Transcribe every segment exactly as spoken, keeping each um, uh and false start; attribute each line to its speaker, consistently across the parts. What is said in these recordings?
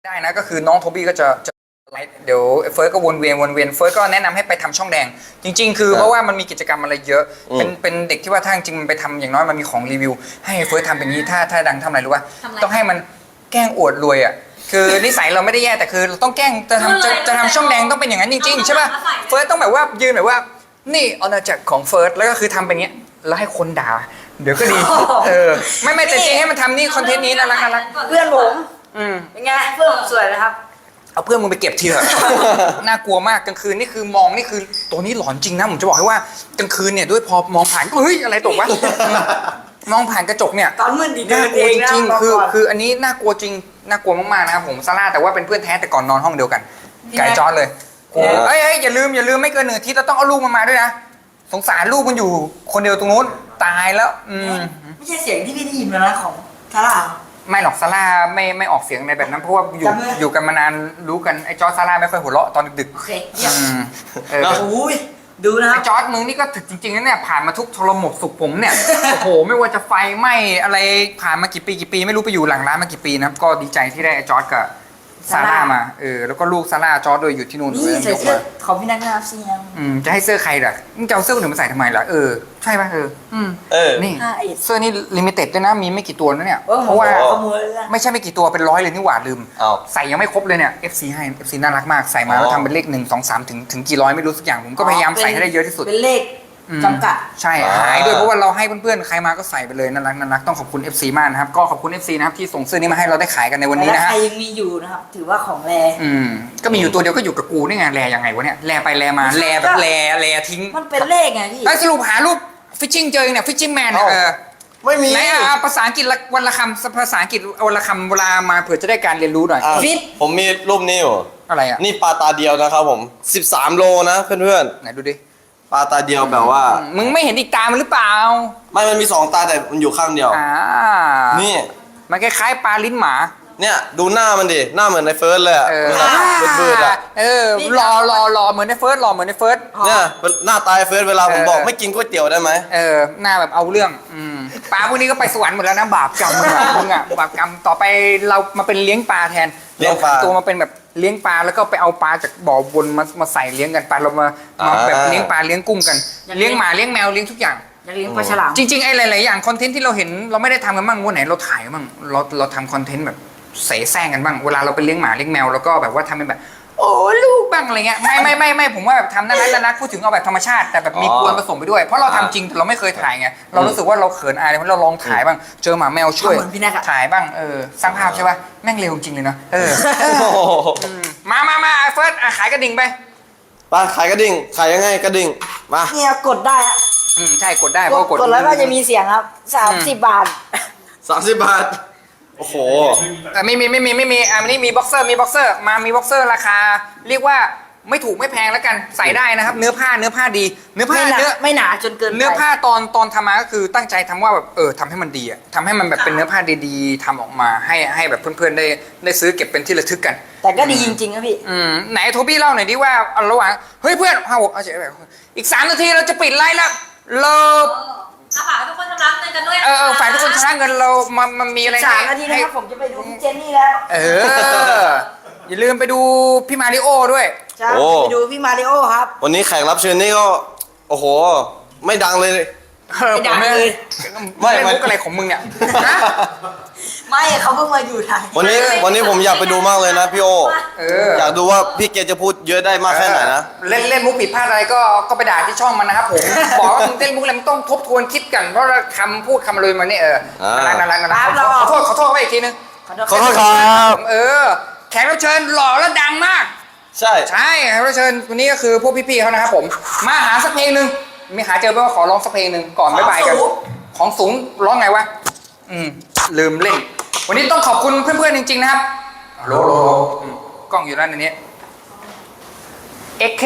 Speaker 1: ได้นะก็คือน้องโทบี้ก็จะจะไลฟ์เดี๋ยวเฟิร์สก็วนเวียนวนเวียนเฟิร์สก็แนะนำให้ไปทำช่องแดงจริงๆคือเพราะว่ามันมีกิจกรรมอะไรเยอะเป็นเป็นเด็กที่ว่าถ้าจริงมันไปทำอย่างน้อยมันมีของรีวิวให้เฟิร์สทำเป็นนี้ถ้าถ้าดังทำอะไรรู้ป่ะต้องให้มันแกล้งอวดรวยอ่ะคือนิสัยเราไม่ได้แย่แต่คือเราต้องแกล้งจะทำจะจะทำช่องแดงต้องเป็นอย่างนั้นจริงๆใช่ป่ะเฟิร์สต้องแบบว่ายืนแบบว่านี่อาณาจักรของเฟิร์สแล้วก็คือทำเป็นเงี้ยแล้วให้คนด่าเดี๋ยวก็ดีเออไม่ไม่แต่จริงให้มันทำนี่คอนเทนต์นี้น่ารักน่ารัก
Speaker 2: เพื่อนผม
Speaker 1: อืม
Speaker 2: เป็นไงเพื่อนผมสวยนะครับ
Speaker 1: เอาเพื่อนมึงไปเก็บทีเถอะ น่ากลัวมากกลางคืนนี่คือมองนี่คือตัวนี้หลอนจริงนะผมจะบอกให้ว่ากลางคืนเนี่ยด้วยพอมองผ่านเฮ้ยอะไรตกวะ มองผ่านกระจกเนี่ย
Speaker 2: ตอนมืดดีเดิ
Speaker 1: น่าน กลั
Speaker 2: เอ
Speaker 1: ว
Speaker 2: ง
Speaker 1: จ
Speaker 2: นะ
Speaker 1: ริง
Speaker 2: บก
Speaker 1: ๆคือ
Speaker 2: ก่น
Speaker 1: คืออันนี้น่ากลัวจริงน่ากลัวมากๆนะครับผมซาร่าแต่ว่าเป็นเพื่อนแท้แต่ก่อนนอนห้องเดียวกันไก่จอร์ดเลยโอ้เอ้ยเอ้ยอย่าลืมอย่าลืมไม่เกินหนึ่งอาทิตย์เราต้องเอาลูกมันมาด้วยนะสงสารลูกมันอยู่คนเดียวตรงนู้นตายแล้วอืม
Speaker 2: ไม่ใช่เสียงที่พี่ได้ยินมานะของทาร่า
Speaker 1: ไม่หรอกซาร่าไม่ไม่ออกเสียงในแบบนั้นเพราะว่าอยู่
Speaker 2: จำเลย
Speaker 1: อยู่กันมานานรู้กันไอ้จอร์จซาร่าไม่ค่อยหัวเราะตอนดึก
Speaker 2: โอเค
Speaker 1: ๆ
Speaker 2: เยี่ยม
Speaker 1: อืมเออ
Speaker 2: โอ้ยดูนะค
Speaker 1: ไอ้
Speaker 2: รับ
Speaker 1: จอร์จมึงนี่ก็ถึกจริงๆนะเนี่ยผ่านมาทุกทรมกสุขผมเนี่ย โอ้โหไม่ว่าจะไฟไหม้อะไรผ่านมากี่ปีกี่ปีไม่รู้ไปอยู่หลังร้านมากี่ปีนะครับก็ดีใจที่ได้ไอ้จอร์จกับซาร่ามาเออแล้วก็ลูกซาร่าจอร์จด้วยอยู่ที่นู่น
Speaker 2: นี่
Speaker 1: เลย
Speaker 2: ใส่
Speaker 1: ยก
Speaker 2: เสื้อ
Speaker 1: มา
Speaker 2: ของพี่นักนะครับซียัง
Speaker 1: อืมจะให้เสื้อใครล่ะมึงจะเอาเสื้อคนอื่นมาใส่ทำไมล่ะเออใช่ป่ะเอออืม
Speaker 3: เออ
Speaker 1: นี่
Speaker 2: ห้าเอ็ด
Speaker 1: เสื้อนี่ลิมิเต็ดด้วยนะมีไม่กี่ตัวนะเนี่ย
Speaker 2: เออ
Speaker 1: เพราะว่า
Speaker 2: ขโมยเลยนะ
Speaker 1: ไม่ใช่ไม่กี่ตัวเป็นร้อยเลยนี่หว่าลืม
Speaker 3: อ้าว
Speaker 1: ใส่ยังไม่ครบเลยเนี่ย เอฟ ซี ให้ เอฟ ซี น่ารักมากใส่มา
Speaker 3: อ๋อ
Speaker 1: แล้วทำเป็นเลขหนึ่งสองสามถึงถึงกี่ร้อยไม่รู้สักอย่างผมก็พยายามใส่ให้ได้เยอะที่สุด
Speaker 2: เป็นเลข
Speaker 1: อืม
Speaker 2: จำกัด
Speaker 1: ใช่หายด้วยเพราะว่าเราให้เพื่อนๆใครมาก็ใส่ไปเลยน่ารักน่ารักต้องขอบคุณ เอฟ ซี มากนะครับก็ขอบคุณ เอฟ ซี นะครับที่ส่งเสื้อนี้มาให้เราได้ขายกันในวันนี้
Speaker 2: แล้ว
Speaker 1: นะ
Speaker 2: ใค
Speaker 1: ฮะ
Speaker 2: รยังมีอยู่นะครับ ถือว่าของแร
Speaker 1: อืมก็มีอยู่ตัวเดียวก็อยู่กับกูนี่ไงแลยังไงวะเนี่ยแลไปแลมาแลแบบแลแลทิ้ง
Speaker 2: มันเป็นเลขไงพี่
Speaker 1: แล้วสรุปหารูปฟิชชิงเจอเนี่ยฟิชชิงแมนเนี่ยเออ
Speaker 3: ไม่มี
Speaker 1: ไหนอ่ะภาษาอังกฤษละวันละคำภาษาอังกฤษวันละคำเวลามาเผื่อจะได้การเรียนรู้หน่อย
Speaker 3: อ่ะผมมีรูปนี้อยู่
Speaker 1: อะไรอ่ะ
Speaker 3: นี่ปลาตาเดียวนะครับผมสิบสามโลนะเพื่อน
Speaker 1: ไหนดูดิ
Speaker 3: ๆปลาตาเดียวแบบว่า
Speaker 1: มึงไม่เห็นอีกตามันหรือเปล่า
Speaker 3: ไม่มันมีสองตาแต่มันอยู่ข้างเดียว
Speaker 1: อ่า
Speaker 3: นี่
Speaker 1: มันคล้ายๆปลาลิ้นหมา
Speaker 3: เนี่ยดูหน้ามันดิหน้าเหมือนในเฟิร์สเลยอะ
Speaker 1: เออ
Speaker 3: เบืดๆอะ
Speaker 1: เออรอรอรอเหมือนในเฟิร์สรอเหมือนในเฟิร์ส
Speaker 3: เนี่ยหน้าตายเฟิร์สเวลาผม
Speaker 1: เออ
Speaker 3: บอกไม่กินก๋วยเตี๋ยวได้ไหม
Speaker 1: เออหน้าแบบเอาเรื่องอืมปลาพวกนี้ก็ไปสวรรค์หมดแล้วนะบาปกรรมมึงอะมึงอะบาปกรรมต่อไปเรามาเป็นเลี้ยงปลาแทน
Speaker 3: เลี้ยงปลา
Speaker 1: รตัวมาเป็นแบบเลี้ยงปลาแล้วก็ไปเอาปลาจากบ่อวนมามาใส่เลี้ยงกันปลาเรามามาแบบเลี้ยงปลาเลี้ยงกุ้งกันเลี้ยงหมาเลี้ยงแมวเลี้ยงทุกอย่าง
Speaker 2: อยากเลี้ยงปลาฉลาม
Speaker 1: จริงๆไอ้หลายๆอย่างคอนเทนต์ที่เราเห็นเราไม่ได้ทำกันบ้างวันไหนเราถ่ายกันบ้างเราเราทำคอนเทนต์แบบเสแสร้งกันบ้างเวลาเราไปเลี้ยงหมาเลี้ยงแมวแล้วก็แบบว่าทำเป็นแบบ โอ้ลูกบ้างอะไรเงี้ยไม่ไม่ไม่ไม่ผมว่าแบบทำน่ารักน่ารักพูดถึงเอาแบบธรรมชาติแต่แบบมี
Speaker 3: อ๋อก
Speaker 1: วนผสมไปด้วยเพราะเราทำจริงแต่เราไม่เคยถ่ายไงเรารู้สึกว่าเราเขินอายเพราะเราลองถ่ายบ้างเจอหมาแมวช่วย
Speaker 2: ทำเหมือนพี่แน็กอะ
Speaker 1: ถ่ายบ้างเออสร้างภาพใช่ป่ะแม่งเร็วจริงเลยเนาะเออ
Speaker 3: โอ้โห
Speaker 1: อืมมามามาเฟิร์สอ่ะขายกระดิ่งไป
Speaker 3: ไปขายกระดิ่งขายยังไงกระดิ่งมา
Speaker 2: เนี่ยกดได้อะ
Speaker 1: อืมใช่กดได้เพ
Speaker 2: ก
Speaker 1: ราะ
Speaker 2: ด
Speaker 1: ว่ากด
Speaker 2: กดแล้วก็จะมีเสียงครับสามสิบบาท
Speaker 3: สามสิบบาทโอ้โห
Speaker 1: เออไม่มีไม่มีไม่มีอ่ะอันนี้มีบ็อกเซอร์มีบ็อกเซอร์มามีบ็อกเซอร์ราคา เรียกว่าไม่ถูกไม่แพงแล้วกันใส่ได้นะครับ เนื้อผ้าเนื้อผ้าดี เนื้อผ้า
Speaker 2: ไม่หนา
Speaker 1: เนื้อ
Speaker 2: ไม่หนาจนเกินไป
Speaker 1: เนื้อผ้าตอนตอนทำมาก็คือตั้งใจทำว่าแบบเออทำให้มันดีอะทำให้มันแบบเป็นเนื้อผ้าดีๆทำออกมาให้ให้แบบเพื่อนๆได้ได้ซื้อเก็บเป็นที่ระลึกกัน
Speaker 2: แต่ก็ดีจริงๆครับพี่
Speaker 1: อืมไหนโทบี้เล่าหน่อยดิว่าเอาระหว่างเฮ้ยเพื่อนห้าหกเอาเฉยแบบอีกสามนาทีเราจะปิดไลฟ์แล้วเรา
Speaker 4: อาฝากทุกคนชำระเงินกันด้วย
Speaker 1: เออเออฝ่ายทุกคนชนะเงินเรามันมันมีอะไร
Speaker 2: สาม
Speaker 1: ให้
Speaker 2: นาทีนะ
Speaker 1: ให้
Speaker 2: ครับผมจะไปดูพี่เจนนี่แล้ว
Speaker 1: เอออย่าลืมไปดูพี่มาริโอด้วย
Speaker 2: จะ
Speaker 3: โอ้
Speaker 2: ไปดูพี่มาริโอครับ
Speaker 3: วันนี้แขกรับเชิญนี่ก็โอ้โห ไม่ดังเลย
Speaker 1: เออ
Speaker 2: ไม่ดัง
Speaker 1: ผม
Speaker 2: เลย
Speaker 1: ไม่
Speaker 3: ไม่
Speaker 1: ไม่มุกอะไรของมึงเนี่ยฮะ
Speaker 2: ไม่เขาเพิ่งมาอยู่ไทย
Speaker 3: วันนี้วันนี้ผมอยากไปดูมากเลยนะพี่โอ
Speaker 1: เออ
Speaker 3: อยากดูว่าพี่เกจะพูดเยอะได้มากแค่ไหนนะ
Speaker 1: เล่นเล่นมุกผิดพลาดอะไรก็ก็ไปด่าที่ช่องมันนะครับผม บอกว่ามึงเล่นมุกอะไรมึงต้องทบทวนคิดกันเพราะว่าคำพูดคำเลยมันนี่เออ
Speaker 3: อ่า
Speaker 1: น่ารักน่ารัก
Speaker 2: ครับ
Speaker 1: น่ารัก
Speaker 2: เรา
Speaker 1: ขอโทษขอโทษไปอีกทีนึง
Speaker 2: ขอโทษ
Speaker 3: ขอโทษครับ
Speaker 1: เออแขกรับเชิญหล่อและดังมาก
Speaker 3: ใช่
Speaker 1: ใช่แขกรับเชิญวันนี้ก็คือพวกพี่ๆเขานะครับผมมาหาสักเพลงหนึ่งมีหาเจอไหมว่าขอร้องสักเพลงหนึ่งก่อนบ๊ายบายกันของสูงร้องไงวะอืมลืมเล่น วันนี้ต้องขอบคุณเพื่อนๆจริงๆนะครับโลโลอืมกล้องอยู่ด้านนี้เอ็กเค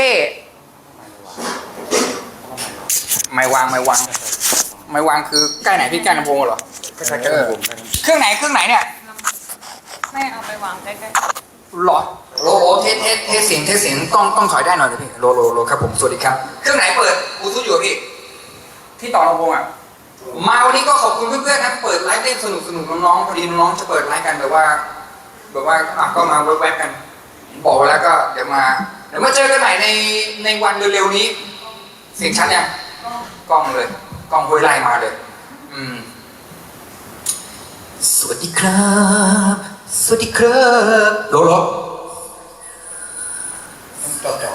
Speaker 1: ไม่วางไม่วางไม่วางคือใกล้ไหนพี่ใกล้ลำโพงเหรอใกล้ๆเออเครื่องไหนเครื่องไหนเนี่ย
Speaker 4: ไม่เอาไปวางใกล้
Speaker 1: หรอโลโลเทสเทสเทสเสียงเทสเสียงต้องต้องถอยได้หน่อยเลยพี่โลโลโลครับผมสวัสดีครับเครื่องไหนเปิดบลูทูธอยู่อะพี่ที่ต่อลำโพงอ่ะมาวันนี้ก็ขอบคุณเพื่อนๆนะเปิดไลฟ์เล่นสนุกสนุกน้องๆพอดีน้องๆจะเปิดไลฟ์กันแบบว่าแบบว่าอ่ะก็มาแวบๆกัน บอกไว้แล้วก็เดี๋ยวมาเดี๋ยวมาเจอกันใหม่ในในวันเร็วๆนี้ เสียงชัดยังกล้องเลยกล้องห้วยไล่มาเลย อืม สวัสดีครับ สวัสดีครับโลโลจอจอ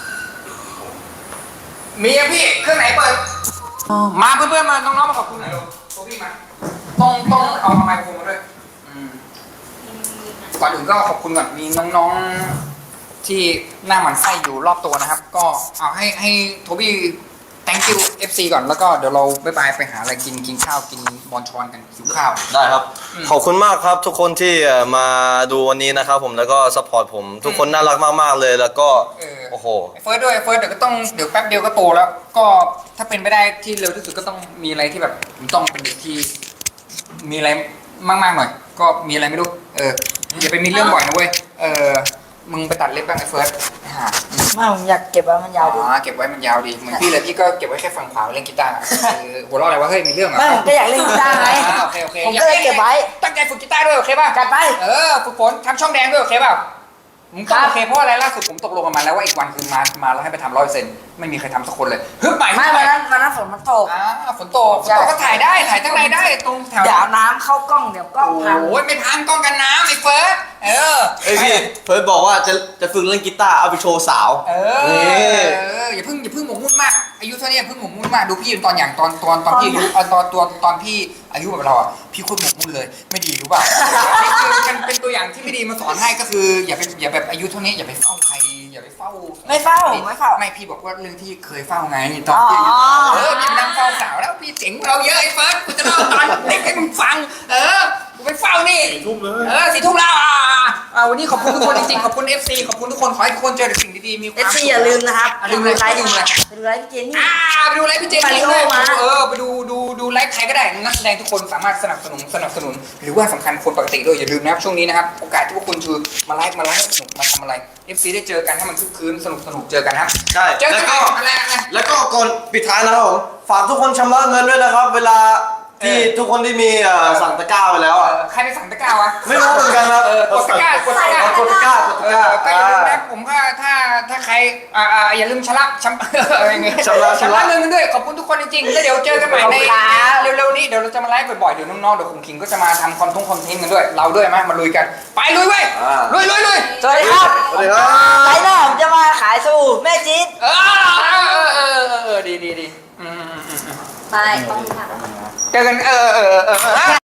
Speaker 1: มียังพี่เครื่องไหนเปิดมาเพื่อนๆมาน้องๆมาขอบคุณหน่อยลูกโทบี้มาต้องต้องเอาไมโครโฟนมาด้วยอืมก่อนอื่นก็ขอบคุณก่อนมีน้องๆที่หน้าหมันไส้อยู่รอบตัวนะครับ ก็เอาให้ให้โทบี้ thank you เอฟ ซี ก่อนแล้วก็เดี๋ยวเราบ๊ายบายไปหาอะไรกินกินข้าวกินบอลชอนกันหิวข้าว
Speaker 3: ได้ครับ
Speaker 1: อืม
Speaker 3: ขอบคุณมากครับทุกคนที่เอ่อมาดูวันนี้นะครับผมแล้วก็ซัพพอร์ตผม ทุกคนน่ารักมากๆเลยแล้วก็
Speaker 1: เออ
Speaker 3: โอ้โห
Speaker 1: ไอ้เฟิร์สด้วยไอ้เฟิร์สเดี๋ยวก็ต้องเดี๋ยวแป๊บเดียวก็โตแล้ว ก็ถ้าเป็นไปได้ที่เร็วที่สุดก็ต้องมีอะไรที่แบบผมต้องเป็นเด็กที่มีอะไรมากๆหน่อย ก็มีอะไรไม่รู้เอออย่าไปมีเรื่องบ่อยนะเว้ยเออมึงไปตัดเล็บบ้างไอ้เฟิร์สหา
Speaker 2: ไม่ผมอยากเก็บไว้มันยาวดี
Speaker 1: อ๋อเก็บไว้มันยาวดีเหมือนพี่เลยพี่ก็เก็บไว้แค่ฝั่งขวาไว้เล่นกีตาร์เออหัวเราะอะไรวะเฮ้ยมีเรื่องเหรอ
Speaker 2: ไม่ผมก็อยากเล่นกีตาร์ไง
Speaker 1: อ่าโอเคโอเค
Speaker 2: ผมก็เลยเก็บไว้
Speaker 1: ตั้งใจฝึกกีตาร์ด้วยโอเคป่ะ
Speaker 2: จัดไป
Speaker 1: เออฝึกฝนทำช่องแดงด้วยโอเคป่ะมึงต้อง
Speaker 2: ครับ
Speaker 1: โอเคเพราะอะไรล่าสุดผมตกลงกันมาแล้วว่าอีกวันคือมามาแล้วให้ไปทำร้อยเปอร์เซ็นต์ไม่มีใครทำสักคนเลยฮึบใหม่
Speaker 2: ไม่
Speaker 1: ฮึบให
Speaker 2: วันนั้นวันนั้นฝนมันตก
Speaker 1: อ่าฝนตกฝนตกก็ถ่ายได้ถ่ายทั้งในได้ตรงแถว
Speaker 2: เดี๋ยวน้ำเข้ากล้องเดี๋ยวกล้องพัง
Speaker 1: โอ้ยไม่พังกล้องกันน้ำไอ้เฟิร์สเออ
Speaker 3: เอ้ยพี่เฟิร์สบอกว่าจะจะฝึกเล่นกีตาร์เอาไปโชว์สาว
Speaker 1: เออ
Speaker 3: นี่
Speaker 1: เอออย่าเพิ่งอย่าเพิ่งหมกมุ่นมากอายุเท่านี้อย่าเพิ่งหมกมุ่นมากดูพี่ตอนอย่างตอนตอนตอนพี่อายุเอ่อตอนตอนตอนพี่อายุแบบเราอ่ะพี่โคตรหมกมุ่นเลยไม่ดีรู้ป่ะนี่คือมันเป็นตัวอย่างที่ไม่ดีมาสอนให้ก็คืออย่าไปอย่าแบบอายุเท่านี้อย่าไปเฝ้าใครอย่าไปเฝ้า
Speaker 2: ไม่เฝ้าไม่เฝ้า
Speaker 1: ไม่พี่บอกว่าเรื่องที่เคยเฝ้าไงตอนพี่อายุ
Speaker 2: อ๋อ
Speaker 1: เออพี่ไปนั่งเฝ้าสาวแล้วพี่เจ๋งกว่าเราเยอะไอ้เฟิร์สกูจะเล่าตอนเด็กให้มึงฟัง เออกูไปเฝ้านี่สี่ทุ่มเลยเออสี่ทุ่มแล้วอ่าอ่าวันนี้ขอบคุณทุกคนจริงๆขอบคุณ เอฟ ซี ขอบคุณทุกคนขอให้ทุกคนเจอแต่สิ่งดีๆมีควา
Speaker 2: เอ
Speaker 1: ม
Speaker 2: ฟ
Speaker 1: สุ
Speaker 2: ซี
Speaker 1: ข
Speaker 2: อย่าลืมนะครับ
Speaker 1: อ่ะลืมเลย
Speaker 2: ไลฟ์
Speaker 1: ลืมเลย
Speaker 2: ไปดูไลฟ์พี่เจนนี่
Speaker 1: อ่าไปดูไลฟ์พี่เจมส์
Speaker 2: มาริโอ
Speaker 1: ด้วย
Speaker 2: มา
Speaker 1: เออไปดูดูดูไลฟ์ใครก็ได้นักแสดงทุกคนสามารถสนับสนุนสนับสนุน หรือว่าสำคัญคนปกติด้วยอย่าลืมนะครับช่วงนี้นะครับโอกาสที่พวกคุณคือมาไลฟ์มาไลฟ์สนุกมาทำอะไร เอฟ ซี ได้เจอกันให้มันคึกคืนสนุกสนุกเจอกันนะครับ
Speaker 3: ใช่
Speaker 1: เจอ
Speaker 3: แล้
Speaker 1: กั
Speaker 3: วน ก็
Speaker 1: อะไรอะไร
Speaker 3: แล้วก็ก่อนปิดท้ายนะครับผมฝากทุกคนชำระเงินด้วยนะครับ เวลาที่
Speaker 1: เออ
Speaker 3: ทุกคนที่มีเอ่อสั่งตะกร้าไปแล้ว
Speaker 1: เอ
Speaker 3: อ่ะ
Speaker 1: อใครไปสั่งตะกร้าวะ
Speaker 3: ไม่รู้เหมือนกันครับ
Speaker 1: เออกดตะกร้ากดตะกร้า
Speaker 3: กดตะกร้ากด
Speaker 1: เอ
Speaker 3: ตะกร้า
Speaker 1: อก็อย่าลืม
Speaker 3: อ่า
Speaker 1: นะผมก็ถ้าถ้าใครอ่าอ่าอย่าลืมชำระชำ อะไรเงี้ย
Speaker 3: ชำระชำระ
Speaker 1: เงินกันด้วยขอบคุณทุกคนจริงๆแล้วเดี๋ยวเจอกันใหม่ใน
Speaker 2: ขอบคุณครับ
Speaker 1: เร็วๆนี้เดี๋ยวเราจะมาไลฟ์บ่อยๆเดี๋ยวน้องๆเดี๋ยวคุณคิงก็จะมาทำคอนทงคอนเทนต์กันด้วยเราด้วยไหมมาลุยกันไปลุยเว้ย
Speaker 3: อ่า
Speaker 1: ลุยลุยลุย
Speaker 2: สวัสดีครับ
Speaker 3: สวัสดีครับ
Speaker 2: ไลฟ์หน้าผมจะมาขายสบู่แม่จี๊ด
Speaker 1: เออเออเออเออเออเออดีดีดีอืมอืมอืมอืม
Speaker 4: ไปต้องทำ
Speaker 1: เจอกันเออเออเออเออ